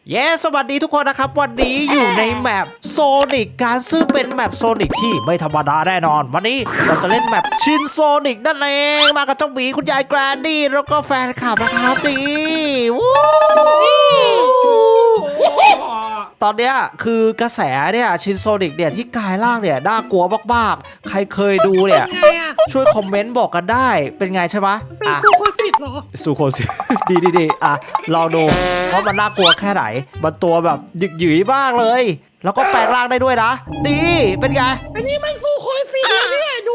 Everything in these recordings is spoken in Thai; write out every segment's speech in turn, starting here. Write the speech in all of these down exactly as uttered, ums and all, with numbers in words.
เย้สวัสดีทุกคนนะครับวันนี้อยู่ในแมปโซนิกการซึ่งเป็นแมปโซนิกที่ไม่ธรรมดาแน่นอนวันนี้เราจะเล่นแมปชินโซนิกนั่นเองมากับเจ้าหมีคุณยายแกรนดี้แล้วก็แฟนคลับนะครับนี่วู้ตอนเนี้ยคือกระแสเนี่ยชินโซนิกเนี่ยที่กายล่างเนี่ยน่ากลัวมากๆใครเคยดูเนี่ยช่วยคอมเมนต์บอกกันได้เป็นไงใช่ไหมเป็นซูโคสิตเหรอซูโคสิ ดีดีดีอ่ะลองดูว่ามันน่ากลัวแค่ไหนมันตัวแบบหยึกหยืยมากเลยแล้วก็แปลงร่างได้ด้วยนะดีเป็นไงอันนี้มันซูโคสิตเนี่ยดู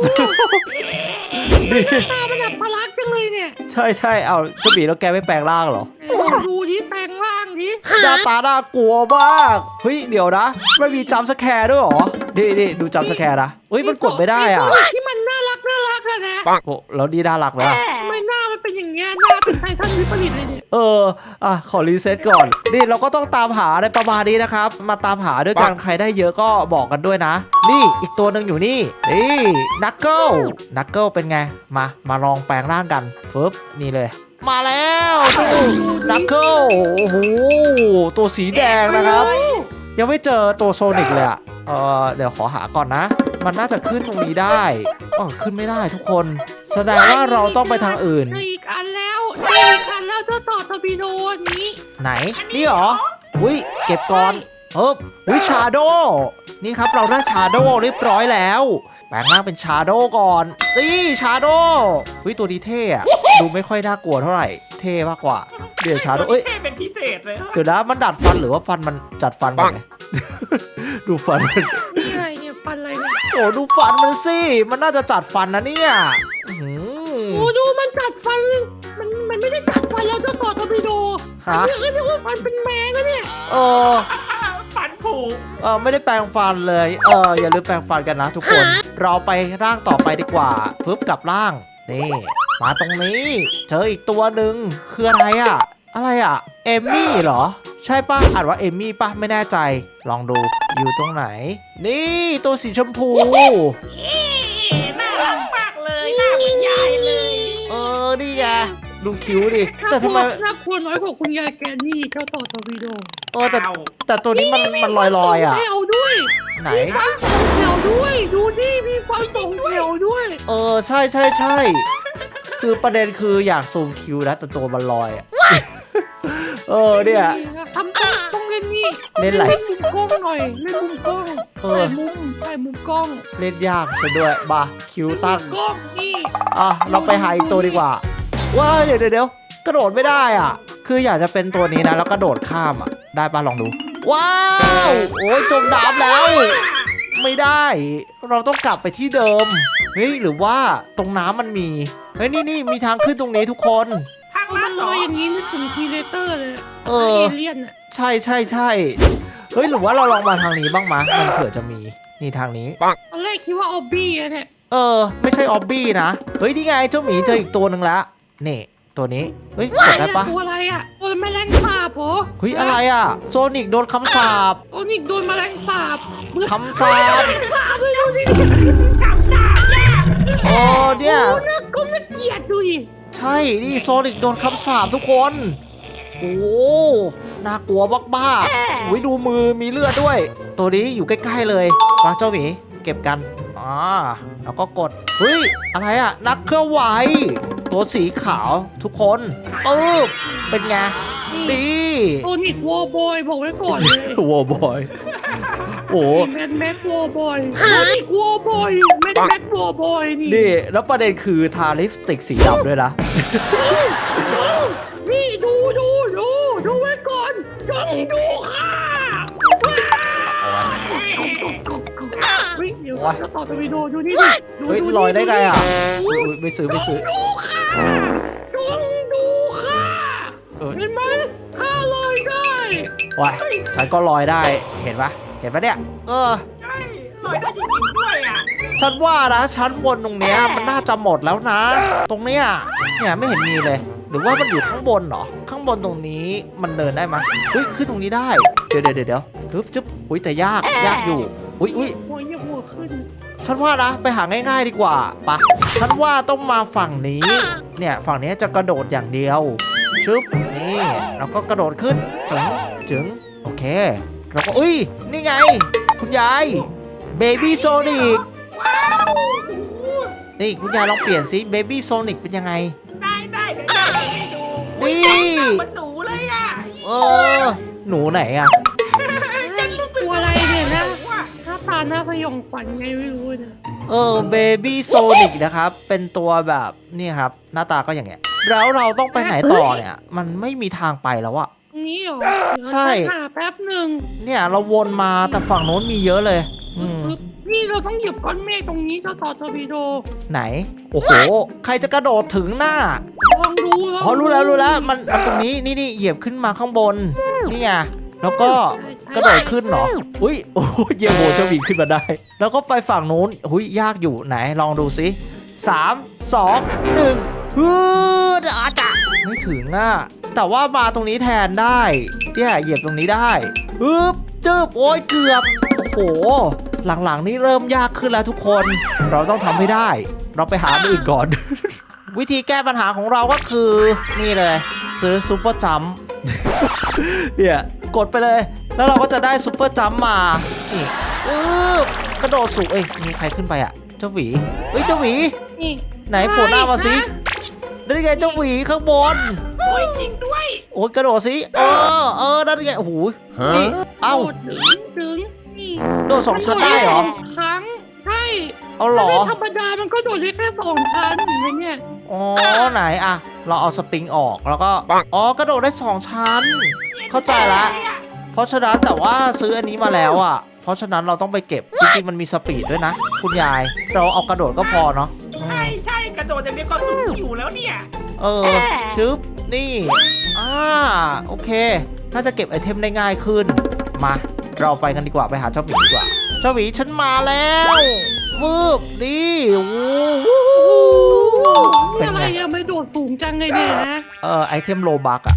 ตามันแบบพลักจังเลยเนี่ยใช่ใช่เอาเจ้าหมีแล้วแกไม่แปลงร่างเหรอดูดิแปลงร่างดิหน้าตาน่ากลัวมากเฮ้ยเดี๋ยวนะไม่มีจัมป์สแคร์ด้วยเหรอดีดีดูจัมป์สแคร์นะเฮ้ยมันกดไม่ได้อ่ะที่มันน่ารักน่ารักอะนะโอ้แล้วดีน่ารักไหมล่ะทำไมหน้ามันเป็นอย่างเงี้ยหน้าเป็นไททันวิปริตเลยเนี่ยเอออ่ะขอรีเซ็ตก่อนนี่เราก็ต้องตามหาในประมาณนี้นะครับมาตามหาด้วยกันใครได้เยอะก็บอกกันด้วยนะนี่อีกตัวหนึ่งอยู่นี่นี่นักเกิลนักเกิลเป็นไงมามาลองแปลงร่างกันฟึบนี่เลยมาแล้วนักเกิลโอ้โหตัวสีแดงนะครับยังไม่เจอตัวโซนิกเลยอ่ะเออเดี๋ยวขอหาก่อนนะมันน่าจะขึ้นตรงนี้ได้อ๋อขึ้นไม่ได้ทุกคนแสดงว่าเราต้องไปทางอื่นอีกอันแล้วอีกอันแล้วเจ้าต่อทบีโดนี้ไหนนี่เหรออุ้ยเก็บก่อนเฮ้ยอุ้ยชาโดนี่ครับเราได้ชาโดเรียบร้อยแล้วแปลงร่างเป็นชาโดก่อนนี่ชาโดอุ้ยตัวดีเท่อะดูไม่ค่อยน่ากลัวเท่าไหร่เท่มากกว่าเดี๋ยวชาโดเอ้ยเท่เป็นพิเศษเลยเดี๋ยวนะมันดัดฟันหรือว่าฟันมันจัดฟันไงดูฟันนี่อะไรเนี่ยฟันอะไรเนี่ยโอ้ดูฟันมันสิมันน่าจะจัดฟันนะเนี่ยโอ้ดูมันจัดฟันมันมันไม่ได้จัดฟันแล้วเจ้าต่อทบีโดฮะเรียกว่าฟันเป็นแมงนะเนี่ยเออฟันผุเออไม่ได้แปรงฟันเลยเอออย่าลืมแปรงฟันกันนะทุกคนเราไปร่างต่อไปดีกว่าฟึบกับร่างนี่มาตรงนี้เจออีกตัวหนึ่งคืออะไรอะอะไรอะเอมมี่เหรอใช่ปะอ่านว่าเอมมี่ปะไม่แน่ใจลองดูอยู่ตรงไหนนี่ตัวสีชมพูน่ารักมากเลยน่าเหมือนยายเลยเออนี่ไงดูคิ้วดิแต่ทำไมน่ากลัวน้อยกว่าคุณยายแกนี่เจ้าต่อทบีโดเออแต่แต่ตัวนี้มันมันลอยลอยอ่ะแถวด้วยไหนฟันสองแถวด้วยดูดิมีฟันสองแถวด้วยเออใช่ใช่ใช่คือประเด็นคืออยากซูมคิวนะแต่ตัวมันลอยอ่ะเออเนี่ยทำต้องต้องเล่นนี่เล่นอะไรเล่นมุมกล้องหน่อยเล่นมุมกล้องถ่ายมุมถ่ายมุมกล้องเล่นยากซะด้วยบ้าคิวตั้งกล้องนี่อ่ะเราไปหาอีกตัวดีกว่าว้าเดี๋ยวเดี๋ยวกระโดดไม่ได้อ่ะคืออยากจะเป็นตัวนี้นะแล้วกระโดดข้ามอ่ะได้ป่ะลองดูว้าวโอ้ยจมน้ำแล้วไม่ได้เราต้องกลับไปที่เดิมเฮ้ยหรือว่าตรงน้ำมันมีเฮ้ยนี่นี่มีทางขึ้นตรงนี้ทุกคนทางมันลอยอย่างนี้นึกถึงทีเลเตอร์เลยเออเลียนอ่ะใช่ใช่ใช่เฮ้ยหรือว่าเราลองมาทางนี้บ้างมะมันเผื่อจะมีนี่ทางนี้ตอนแรกคิดว่าออบบี้อะเนี่ยเออไม่ใช่ออบบี้นะเฮ้ยนี่ไงเจ้าหมีเจออีกตัวหนึ่งแล้วนี่ตัวนี้เฮ้ยกดได้ปะตัวอะไรอ่ะตัวแมลงสาบเหรอเฮ้ยอะไรอ่ะโซนิกโดนคำสาปโซนิกโดนแมลงสาบคำสาปสาบเลยดูดิคำสาบเนี่ยโอ้เนี่ยโอ้น่าก็น่าเกลียดดูดิใช่นี่โซนิกโดนคำสาปทุกคนโอ้น่ากลัวบ้าๆอุ้ยดูมือมีเลือดด้วยตัวนี้อยู่ใกล้ๆเลยมาเจ้าหมีเก็บกันอ่าแล้วก็กดเฮ้ยอะไรอ่ะนักเคลื่อนไหวตัวสีขาวทุกคนปึ๊บเป็นไงดีโซนิกวอลบอยบอกไว้ก่อนเลยวอลบอยโอ้แมนแม็กวอลบอยโซนิกวอลบอยแมนแม็กวอลบอยนี่นี่แล้วประเด็นคือทาลิปสติกสีดำด้วยนะนี่ดูดูดูดูไว้ก่อนจงดูค่ะเฮ้ยเดี๋ยวจะต่อทวีโดดูนี่ดิเฮ้ยลอยได้ไงอ่ะไม่ซื้อไม่ซื้อดูค่ะจงดูค่ะเห็นไหมข้าลอยได้ว้ายฉันก็ลอยได้เห็นปะเห็นปะเนี่ยเออใช่ลอยได้จริงๆด้วยอ่ะฉันว่านะชั้นบนตรงเนี้ยมันน่าจะหมดแล้วนะตรงเนี้ยเนี่ยไม่เห็นมีเลยหรือว่ามันอยู่ข้างบนเหรอข้างบนตรงนี้มันเดินได้ไหมอุ้ยขึ้นตรงนี้ได้เดี๋ยวเดี๋ยวเดี๋ยวทึบจึ๊บอุ้ยแต่ยากยากอยู่อุ้ยอุ้ยหัวยังหัวขึ้นฉันว่านะไปหาง่ายๆดีกว่าปะฉันว่าต้องมาฝั่งนี้เนี่ยฝั่งนี้จะกระโดดอย่างเดียวชึบนี่แล้วก็กระโดดขึ้นจึงจึงโอเคเราก็อุ้ยนี่ไงคุณยายเบบี้โซนิกว้าวโอ้โหนี่คุณยายลองเปลี่ยนสิเบบี้โซนิกเป็นยังไงได้ได้เดี๋ยวจะให้ดูนี่อุ๊ยหน้าเหมันหนูเลยอ่ะเออหนูไหนอะฉันรู้สึกตัวอะไรเนี่ยนะว่าหน้าตาหน้าสยองขวัญไงไม่รู้เนี่ยเออเบบี้โซนิกนะครับเป็นตัวแบบนี่ครับหน้าตาก็อย่างเงี้ยแล้วเราต้องไปไหนต่อเนี่ยมันไม่มีทางไปแล้วอะตรงนี้เหรอใช่เดี๋ยวฉันหาแป๊บหนึ่งเนี่ยเราวนมาแต่ฝั่งโน้นมีเยอะเลยอืมปึ๊บนี่เราต้องเหยียบก้อนเมฆตรงนี้เจ้าต่อทอร์ปิโดไหนโอ้โหใครจะกระโดดถึงหน้าลองดูลองอ๋อรู้แล้วรู้แล้วมันมันตรงนี้นี่นี่เหยียบขึ้นมาข้างบนนี่ไงแล้วก็ใช่ใช่กระโดดขึ้นเหรออุ้ยโอ้ยเยี่ยมโหเจ้าหมีขึ้นมาได้ แล้วก็ไปฝั่งนู้นอุ้ยยากอยู่ไหนลองดูสิสามสองหนึ่งฮึดอาจะไม่ถึงอ่ะแต่ว่ามาตรงนี้แทนได้เนี่ยเหยียบตรงนี้ได้ฮึบจึบโอ้ยเกือบโอ้โหหลังๆนี่เริ่มยากขึ้นแล้วทุกคนเราต้องทำให้ได้ เราไปหาอันอื่นก่อน วิธีแก้ปัญหาของเราก็คือนี่เลยซื้อซุปเปอร์จัมป์ เนี่ยกดไปเลย แล้วเราก็จะได้ซุปเปอร์จัมป์มานี่อึ๊บกระโดดสูงเอ้ยมีใครขึ้นไปอ่ะเจ้าหวีเฮ้ยเจ้าหวีนี่ไหนโผล่หน้ามาสินะนั่นไงเจ้าหวีข้างบนโอ้ยจริงด้วยโอ้ยกระโดดสิเออเออนั่นไงโอ้โหนี่เอ้าโดดถึงถึงนี่โดดสองชั้นได้เหรอมันโดดสองครั้งใช่เอาเหรอถ้าเป็นธรรมดามันก็โดดได้แค่สองชั้นเห็นไหมเนี่ยอ๋อไหนอะเราเอาสปริงออกแล้วก็อ๋อกระโดดได้สองชั้น เข้าใจละ เพราะฉะนั้นแต่ว่าซื้ออันนี้มาแล้วอ่ะ เพราะฉะนั้นเราต้องไปเก็บจริงๆมันมีสปีดด้วยนะ คุณยาย เราเอากระโดดก็พอเนาะอืมใช่ใช่กระโดดอย่างนี้ก็สูงอยู่แล้วเนี่ยเออชึบนี่อ่าโอเค น่าจะเก็บไอเทมได้ง่ายขึ้น มาเราไปกันดีกว่าไปหาเจ้าหมีดีกว่า เจ้าหมีฉันมาแล้ววืบนี่โอ้โหนี่เป็นอะไรไงอะไม่โดดสูงจังเลยเนี่ยนะเออไอเทมโลบักอะ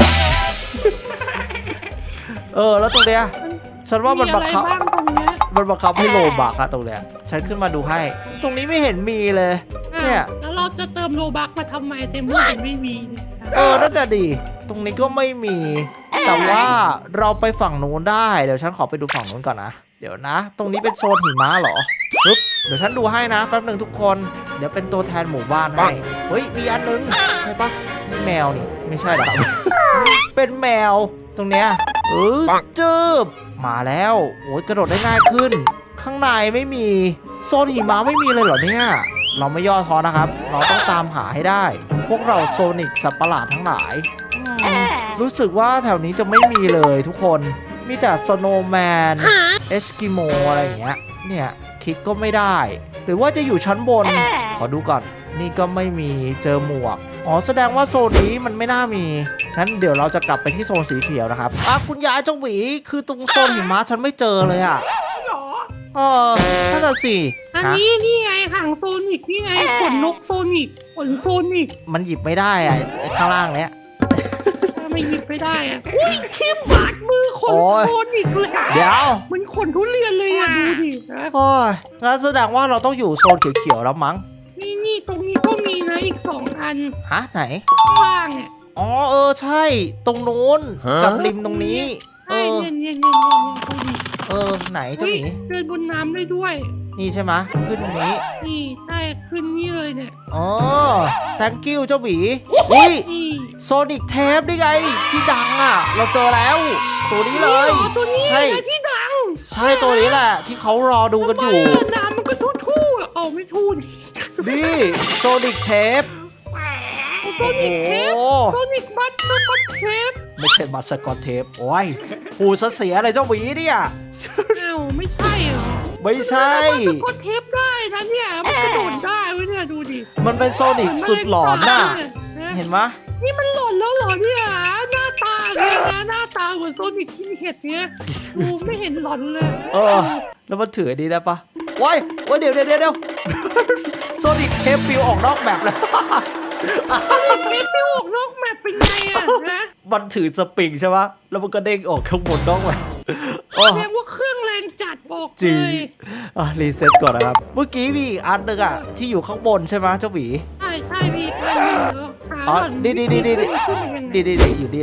เออแล้วตรงเนี้ยฉันว่ามันมีบัอะงไรคับบ้างตรงเนี้ยมันบังคับให้โลบักอะตรงเนี้ยฉันขึ้นมาดูให้ ตรงนี้ไม่เห็นมีเลยอ่ะเนี่ยแล้วเราจะเติมโลบักมาทำไมเต็มเมื่อมันไม่มีเนี่ยเออนั่นแหะดีตรงนี้ก็ไม่มี แต่ว่าเราไปฝั่งนู้นได้เดี๋ยวฉันขอไปดูฝั่งนู้นก่อนนะเดี๋ยวนะ ตรงนี้เป็นโซนหิมะเหรอปึ๊บเดี๋ยวฉันดูให้นะแป๊บหนึงทุกคนเดี๋ยวเป็นตัวแทนหมู่บ้านให้เฮ้ยมีอันนึงใช่ปะนี่แมวนี่ไม่ใช่เหรอ เป็นแมวตรงเนี้ยเออจืบมาแล้วโอ้ยกระโดดได้ง่ายขึ้น ข้างในไม่มีโซนหิมะไม่มีเลยเหรอเนี่ยเราไม่ย่อท้อนะครับ เราต้องตามหาให้ได้ พวกเราโซนิกสัตว์ประหลาดทั้งหลายอืมรู้สึกว่าแถวนี้จะไม่มีเลยทุกคนมีแต่สโนว์แมนเอสกิโมอะไรอย่างเงี้ยเนี่ยคลิกก็ไม่ได้ หรือว่าจะอยู่ชั้นบน ขอดูก่อน นี่ก็ไม่มีเจอหมวก อ๋อแสดงว่าโซนนี้มันไม่น่ามีงั้นเดี๋ยวเราจะกลับไปที่โซนสีเขียวนะครับอ่ะคุณยายเจ้าหวีคือตรงโซนหิมะฉันไม่เจอเลยอ่ะหรอเออนั่นน่ะสิอันฮะนี้นี่ไงหางโซนิกนี่ไงขนนกโซนิกขนโซนิกมันหยิบไม่ได้อ่ะไอ้ข้างล่างเนี้ยทำไมหยิบไม่ได้อะอุ้ยชิมบาดมือขนโอ้ยโซนิกเลยอะเดี๋ยวมันขนทุเรียนเลยอะดูดินะโอ้ยงั้นแสดงว่าเราต้องอยู่โซนเขียวๆแล้วมั้งนี่นี่ตรงนี้ก็มีนะอีกสองอันฮะไหนข้างล่างเนี่ยอ๋อเออใช่ ตรงนู้นกับริมตรงนี้ เอใช่อเนี่ยเนี่ยเนี่ยเนี่ยดูดิเออไหนเจ้าเฮ้ยหมีเดินบนน้ำได้ด้วยนี่ใช่ไหมะขึ้นตรงนี้นี่ใช่ขึ้นนี่เลยเนี่ยอ๋อ thank you เจ้าหมีอุ้ยนี่โซนิกเทปนี่ไง ที่ดังอ่ะ เราเจอแล้ว ตัวนี้เลยนี่หรอตัวนี้ใช่นะที่ดังใช่ตัวนี้แหละ ที่เขารอดูกันอยู่ทำไมอะน้ำมันก็ทู่ๆอะเอาไม่ทู่นี่นี่โซนิกเทปแหมโซนิกเทปโอ้โซนิกบัตเตอร์บัตเทปไม่ใช่บัตรสกอตเทปโอ้ยหูซะเสียอะไรเจ้าหวีเนี่ยอ้าวไม่ใช่เหรอไม่ใช่มันก็เทปได้นะเนี่ยมันกระโดดได้เว้ยเนี่ยดูดิมันเป็นโซนิกสุดหลอนน่ะนะเห็นไหมนี่มันหลอนแล้วเหรอเนี่ยหน้าตาเนี่ยนะหน้าตาเหมือนโซนิกที่เห็ดเนี่ยดูไม่เห็นหลอนเลยเออ แล้วมันถืออันนี้ได้ปะว้ายว้ายเดี๋ยวเดี๋ยวเดี๋ยว โซนิกเทปปิวออกนอกแบบแล้วเทปไปออกนอกแมปเป็นไงอะนะมันถือสปริงใช่ปะแล้วมันก็เด้งออกข้างบนนอกแบบโอ้แสดงว่าเครื่องแรงจัดบอกจริเลงยอ่ะรีเซ็ตก่อนนะครับ เมื่อกี้มีอีกอันหนึงอ่ะ ที่อยู่ข้างบนใช่ไหมเจ้าหวีใช่ใช่พี่อันนี้เหรอหาอ๋อก่อนนี่นี่นี่นี่ขึ้ขึ้นไปยังไงดีดีดีอยู่นี่แหละ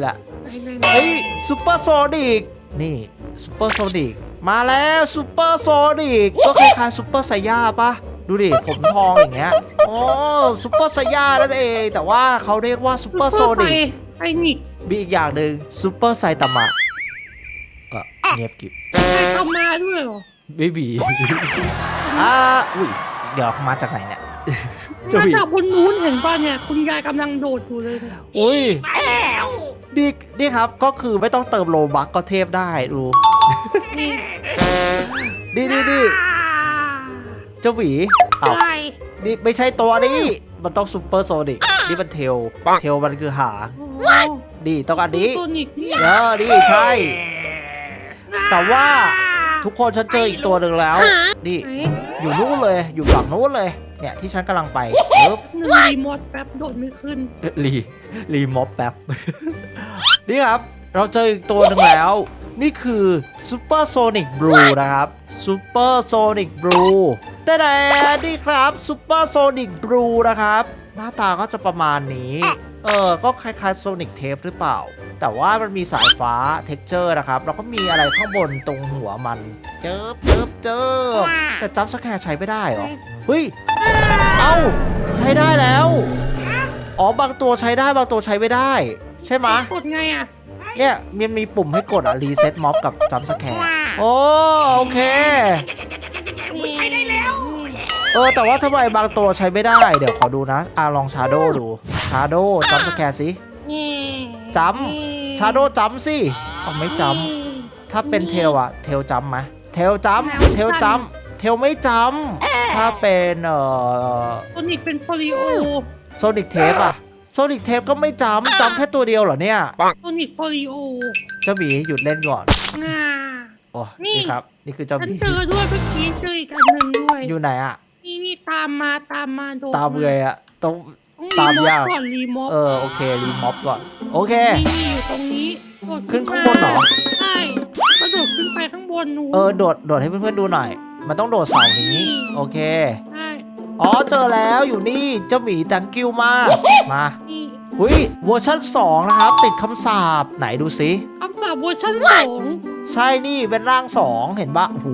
เฮ้ยซูเปอร์โซนิกนี่ซูเปอร์โซนิกมาแล้วซูเปอร์โซนิกก็คล้ายๆซูเปอร์ไซย่าปะดูดิผมทองอย่างเงี้ยโอ้ซูเปอร์ไซย่านั่นเองแต่ว่าเขาเรียกว่าซูเปอร์โซนิกไซนิกมีอีกอย่างหนึ่งซูเปอร์ไซตามะก็เงียบกิบไซตามาด้วยเหรอไม่มี อ่าอุ้ยเดี๋ยวมาจากไหนเนี่ย จะมามีจากบนนู้นเห็นป่ะเนี่ยคุณยายกำลังโดดอยู่เลยเนี่ยอุ้ยมาแล้วนี่นี่ครับก็คือไม่ต้องเติมโลบัคก็เทพได้ดูนี่นี่นี่นี่เจ้าหวีเอ้าใช่นี่ไม่ใช่ตัวนี้มันต้องซูเปอร์โซนิกนี่มันเทลเทลมันคือหางโอ้นี่ต้องอันนี้โซนิกนี่เออนี่ใช่ แต่ว่าทุกคนฉันเจออีกตัวหนึ่งแล้วนี่ไหนอยู่นู้นเลยอยู่ฝั่งนู้นเลยเนี่ยที่ฉันกำลังไปปึ๊บหนึ่งรีโมทแป๊บโดดไม่ขึ้นรีรีม็อบแป๊บ นี่ครับเราเจออีกตัวหนึ่งแล้ว นี่คือซูเปอร์โซนิกบลูนะครับซูเปอร์โซนิกบลูแต่แต่นี่ครับซูเปอร์โซนิกบลูนะครับหน้าตาก็จะประมาณนี้เออก็คล้ายๆโซนิกเทปหรือเปล่า แต่ว่ามันมีสายฟ้าเท็กเจอร์นะครับแล้วก็มีอะไรข้างบนตรงหัวมันเจิบเจิบเจิบแต่จับสแคร์ใช้ไม่ได้เหรอเฮ้ยเอ้าใช้ได้แล้วอ๋อบางตัวใช้ได้บางตัวใช้ไม่ได้ ใช่ไหมะกดไงอ่ะเนี่ยมันมีปุ่มให้กดอ่ะรีเซ็ตม็อบกับจัมป์สแคร์โอ้โอเคมันใช้ได้แล้วเออแต่ว่าทำไมบางตัวใช้ไม่ได้ เดี๋ยวขอดูนะอ่ะลองชาโดดูชาโดจัมป์สแคร์สินี่จัมป์ชาโดจัมป์สิเอาไม่จัมป์ถ้าเป็นเทลอะเทลจัมป์ไหมเทลจัมป์เทลจัมป์เทลไม่จัมป์ถ้าเป็นเอ่อโซนิกเป็นโปลิโอโซนิกเทปอะโซนิกเทปก็ไม่จัมป์จัมป์แค่ตัวเดียวเหรอเนี่ยโซนิกโปลิโอเจ้าหมีหยุดเล่นก่อนงาโอ้นี่นี่ครับนี่คือเจ้าหฉันมีเจอด้วยเมื่อกี้เจออีกอันหนึ่งด้วยอยู่ไหนอะนี่นี่ตามมาตามมาโดดตามเลยอะต้องต้องตามรีโมทยากก่อนรีโมทเออโอเครีม็อบก่อนโอเคนี่นี่อยู่ตรงนี้โดดขึ้นข้างบนเหรอใช่กระโดดขึ้นไปข้างบนนู้นเออโดดโดดให้เพื่อนๆดูหน่อย มันต้องโดดเสานี้โอเคใช่อ๋อเจอแล้วอยู่นี่เจ้าหมีตังกิ้วมากมานี่หุยเวอร์ชันสองนะครับ ติดคำสาปไหนดูสิคำสาปเวอร์ชันสองใช่นี่เป็นร่างสองเห็นปะโอ้โห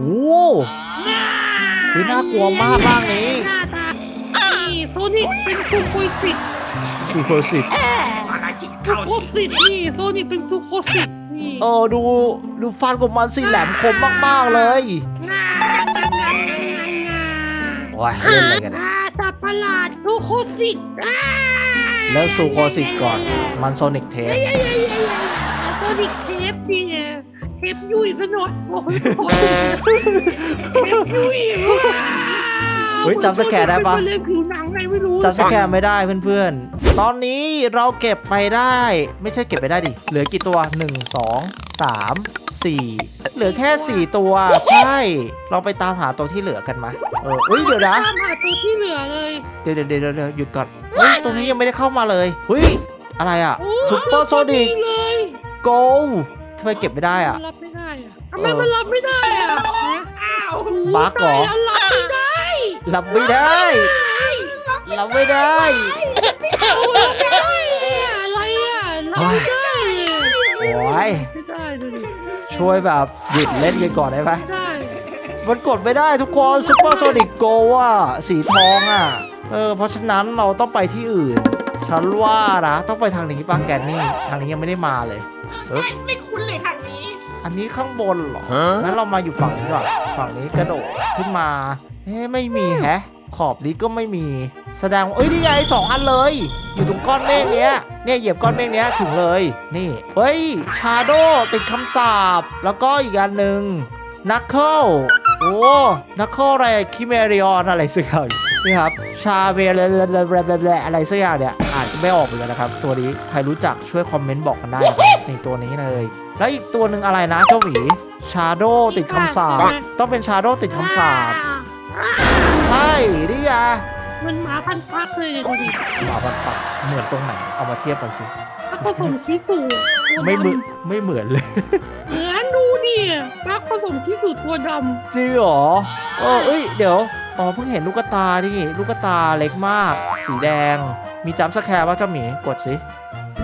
หุยน่ากลัวมากร่างนี้หน้าตานี่โซนิกเป็นซูโคสิตซูโคสิตมาลาชิซูเข้าโคสิสิตนี่โซนิกเป็นซูโคสิตนี่เออดูดูฟันของมันสิแหลมคมมากๆเลยงาจังงางางางาโอ้ยเล่นอะไรกันเนี่ยอ่าสัตว์ประหลาดซูโคสิตอ่าเลิกซูโคสิตก่อนมันโซนิกเทปเอ้ยเอ้ยเอ้ยเอ้ยโซนิกเทปดีไงเทปยุ่ยซะหน่อยโอ้โหเทปยุ่ยว้าวเฮ้ยจำสแกนได้ปะเป็นเรื่องผิวหนังไงไม่รู้จำสแกนไม่ได้เพื่อนๆ ตอนนี้เราเก็บไปได้ ไม่ใช่เก็บไปได้ดิ เหลือกี่ตัว หนึ่ง สอง สาม สี่ เหลือแค่ สี่ ตัว ใช่ เราไปตามหาตัวที่เหลือกันมาเออเฮ้ยเดี๋ยวนะตามหาตัวที่เหลือเลยเดี๋ยวเดี๋ยวเดี๋ยวเดี๋ยวหยุดก่อน เฮ้ย ตรงนี้ยังไม่ได้เข้ามาเลยเฮ้ย อะไรอ่ะโอ้ซุปเปอร์โซนิกเลยโกทำไมเก็บไม่ได้อ่ะมันรับไม่ได้อะทำไมมันรับไม่ได้อะฮะอ้าวบั๊กเหรอตายแล้วรับไม่ได้รับไม่ได้รับไม่ได้เอารับไม่ได้เนี่ยอะไรอ่ะรับไม่ได้เนี่ยโอ้ยไม่ได้ดูดิช่วยแบบหยุดเล่นกันก่อนได้ไหมไม่ได้มันกดไม่ได้ทุกคนซุปเปอร์โซนิกโกอ่ะสีทองอ่ะเออเพราะฉะนั้นเราต้องไปที่อื่น ฉันว่านะต้องไปทางนี้ป้าแกนนี่ทางนี้ยังไม่ได้มาเลยเอ๊บไม่ไม่คุ้นเลยทางนี้อันนี้ข้างบนเหรองั้นเรามาอยู่ฝั่งนี้ก่อนฝั่งนี้กระโดดขึ้นมาเฮ้ไม่มีแฮะ ขอบนี้ก็ไม่มีแสดงว่าเอ้ยนี่ไงสองอันเลย อยู่ตรงก้อนเมฆเนี้ยเนี่ยเหยียบก้อนเมฆเนี้ยถึงเลยนี่เฮ้ยชาโดติดคำสาปแล้วก็อีกอันหนึ่งนักเคิลโอ้นักเคิลอะไรคิเมริออนอะไรสักอย่างนี่ครับชาเวลอะไรสักอย่างเนี่ยอ่านไม่ออกเลยนะครับตัวนี้ใครรู้จักช่วยคอมเมนต์บอกกันได้นะครับในตัวนี้เลยแล้วอีกตัวหนึ่งอะไรนะเจ้าหมีชาโดติดคำสาปต้องเป็นชาโดติดคำสาปใช่นี่ไงมันหมาพันพักเลยเนี่ยดูดิหมาปัดปัดเหมือนตรงไหนเอามาเทียบกันสิถ้าผสมชิสุตัวไม่เหมือนดำไม่เหมือนเลยเหมือนดูดิรักผสมชิสุตัวดจริงเหรอเออเอ้ยเดี๋ยวอ๋อเพิ่งเห็นลูกตาดิลูกตาเล็กมาก สีแดงมีจัมป์สแคร์ป่ะเจ้าหมีกดสิ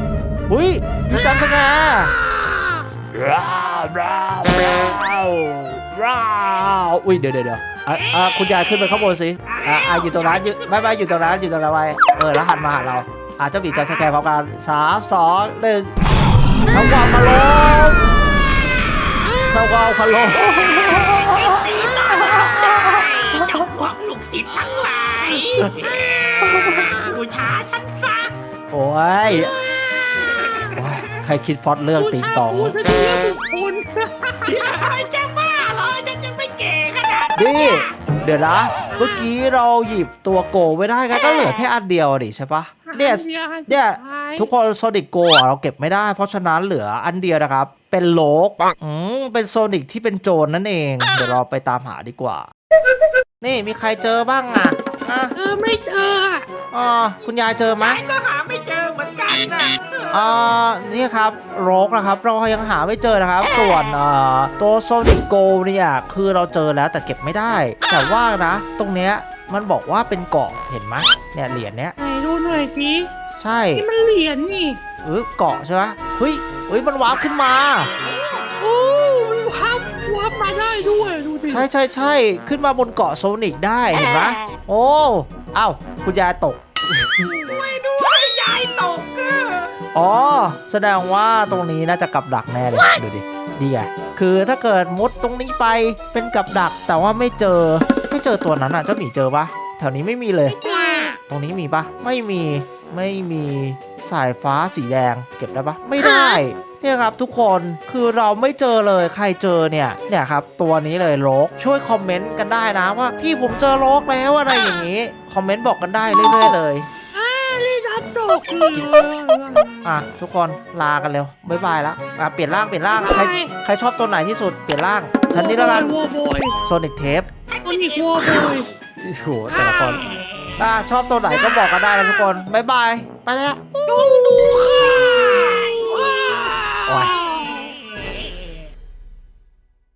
อุ้ยมีจันสแกร์ร้าวร้าวร้าวร้าวอุ้ยเดี๋ยวเดี๋ยวเดี๋ยวอ่ะอ่ะคุณยายขึ้นไปข้างบนสิอ่ะอ่ะอยู่ตรงนั้นอยู่ไม่ไม่อยู่ตรงนั้นอยู่ตรงนั้นไว้เออแล้วหันมาหาเราอ่ะเจ้าหมีจันสแกร์พร้อมกันสามสองหนึ่งทำความเคารพทำความเคารพตีตาเจ้าพวกลูกศิษย์ทั้งหลายบูชาฉันซะโอ้ยโอ้ยใครคิดพล็อดเรื่องติงตองผู้ชายผู้ชายบุคคลจะบ้าเหรอฉันจะไม่เก๋ขนาดนี่ เดี๋ยวนะ เมื่อกี้เราหยิบตัวโกไม่ได้กันก็เหลือแค่อันเดียวดิใช่ปะเนี่ย เนี่ยทุกคนโซนิกโกะเราเก็บไม่ได้เพราะฉะนั้นเหลืออันเดียวนะครับ เป็นโลกอืมเป็นโซนิกที่เป็นโจรนั่นเอง เดี๋ยวเราไปตามหาดีกว่า นี่มีใครเจอบ้างอ่ะอ่ะเออไม่เจออ่ะอ๋อคุณยายเจอไหมไอ้ก็หาไม่เจอเหมือนกันนะอ่านี่ครับโรกนะครับ เรายังหาไม่เจอนะครับ ส่วนอ่าตัวโซนิกโกเนี่ยคือเราเจอแล้วแต่เก็บไม่ได้ แต่ว่านะ ตรงเนี้ยมันบอกว่าเป็นเกาะเห็นไหมเนี่ยเหรียญเนี้ยไหนดูหน่อยสิใช่นี่มันเหรียญนี่เออเกาะใช่ไหมเฮ้ยเฮ้ยมันวาร์ปขึ้นมาโอ้มันวับวับมาได้ด้วยดูดิใช่ใช่ใช่ขึ้นมาบนเกาะโซนิกได้เห็นไหมโอ้เอ้าคุณยายตกไม่ด้วยยายตกเอออ๋อแสดงว่าตรงนี้น่าจะกับดักแน่เลยดูดิดีไงคือถ้าเกิดมุดตรงนี้ไปเป็นกับดักแต่ว่าไม่เจอไม่เจอตัวนั้นอ่ะเจ้าหมีเจอปะแถวนี้ไม่มีเลย ตรงนี้มีปะไม่มีไม่มีสายฟ้าสีแดงเก็บได้ปะไม่ได้เนี่ยครับทุกคนคือเราไม่เจอเลยใครเจอเนี่ยเนี่ยครับตัวนี้เลยโลกช่วยคอมเมนต์กันได้นะว่าพี่ผมเจอโลกแล้วอะไรอย่างนี้คอมเมนต์บอกกันได้เรื่อยๆเลยอ่าเล่นอันตกเลยอ่ะทุกคนลากันเร็วบ๊ายบายแล้วอ่ะเปลี่ยนร่างเปลี่ยนร่างใครใครชอบตัวไหนที่สุดเปลี่ยนร่างฉันนี่แล้วกันวัวบอยโซนิกเทปโซนิกวัวบอยโอ้โหแต่ละคนอ่ะชอบตัวไหนก็บอกกันได้นะทุกคนบ๊ายบายไปแล้วต้องดูค่ะ